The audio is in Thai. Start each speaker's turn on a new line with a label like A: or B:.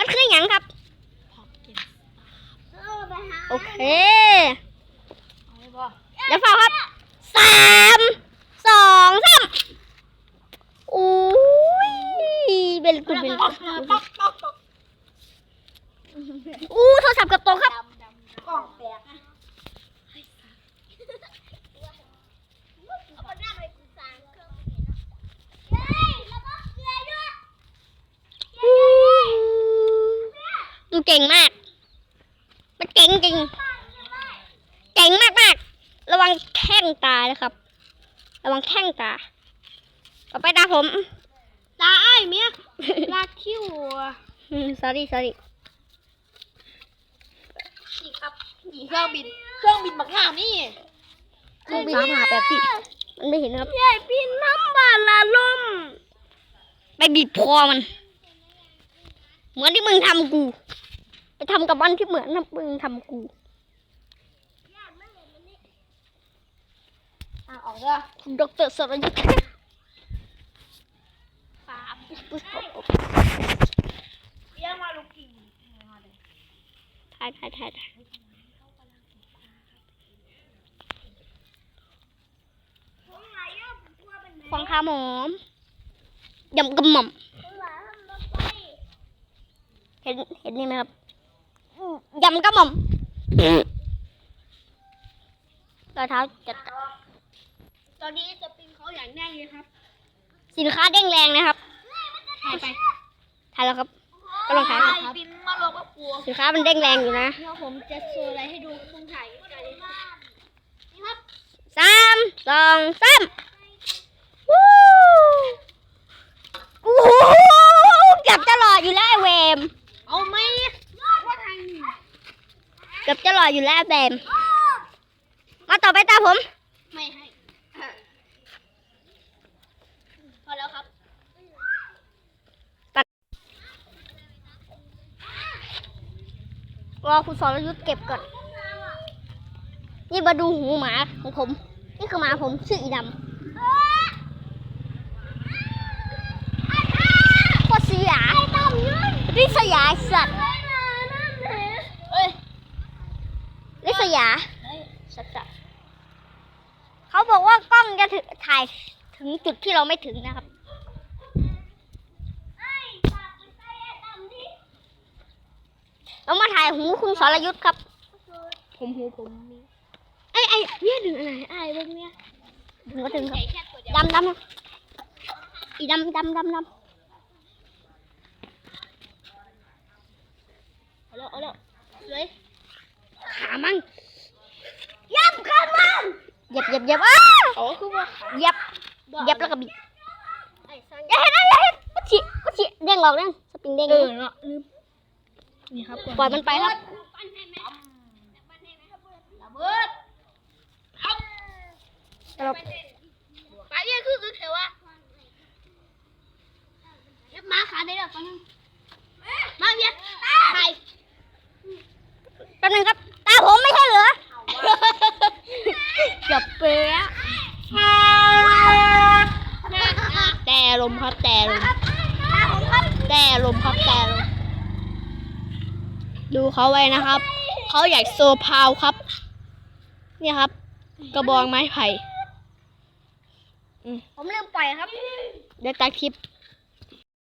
A: มันคือหยังครับโอเคเดี๋ยวฟังครับ3 2 3อู้ยเป็นกุเป็นอู้โทรศัพท์กับโต๊ะครับกล่องแตกดูเก่งมากมันเก่งจริงเก่งมากระวังแข้งตานะครับระวังแข้งตาต่อไปตาผมตาไอ้เมียลากคิ้วsorry นี่ครับนี่เครื่องบินบักหน้านี่เครื่องบิน358มันไม่เห็นครับใหญ่บินน้ำบาลาลมไปบีบคอมันเหมือนที่มึงทำกูไปทำกับมันที่เหมือนมึงทำกูออกแล้วดร.สรยุทธ์เยี่ยมมาลูกกิ่งถ่ายฟองข้าวหอมยำกระหม่อมเห็นนี่ไหมครับยำกระหม่อมรอยเท้าจัดตอนนี้จะปีนเขาอย่างแน่เลยครับสินค้าเด้งแรงนะครับถ่ายแล้วครับก็ลองถ่ายนะครับสินค้ามันเด้งแรงอยู่นะเดี๋ยวผมจะโชว์อะไรให้ดูคุณถ่ายกันนี่ครับ3 2 3วู้โอ้โหเกือบจะหล่ออยู่แล้วไอ้เวมเอาไหมเกือบจะหล่ออยู่แล้วไอ้เวมมาต่อไปตาผมไม่ให้พอแล้วครับรอคุณสรยุทธเก็บก่อนนี่มาดูหูหมาของผมนี่คือหมาผมชื่ออีดำโคตรเสียริษยาสัตว์ริษยาสัตว์เขาบอกว่ากล้องจะถ่ายถึงจุดที่เราไม่ถึงนะครับเรามาถ่ายหูคุณสรยุทธครับผมไอ้เนี่ยถึงอะไรไอ้พวกเนี้ยถึงก็ถึงครับดำอีดำเอาแล้วเลยขามั่งยับขามั่งเหยียบอ้าโอ้คือว่าเหยียบแล้วก็บิดอย่าเห็นมันฉีเด้งออกสปริงเด้งเนาะลืมนี่ครับปล่อยมันไปครับระเบิดไปเนี่ยคือเขียวอะมาขาได้แล้วตอนนึงมาเนี่ยไปตอนนึงครับตาผมไม่ใช่เหรอจับเป๊ะแต่ลมครับแต่ลมดูเขาไว้นะครับเขาอยากโซพาวครับเนี่ยครับกระบองไม้ไผ่ผมลืมปล่อยครับเดี๋ยวตัดคลิป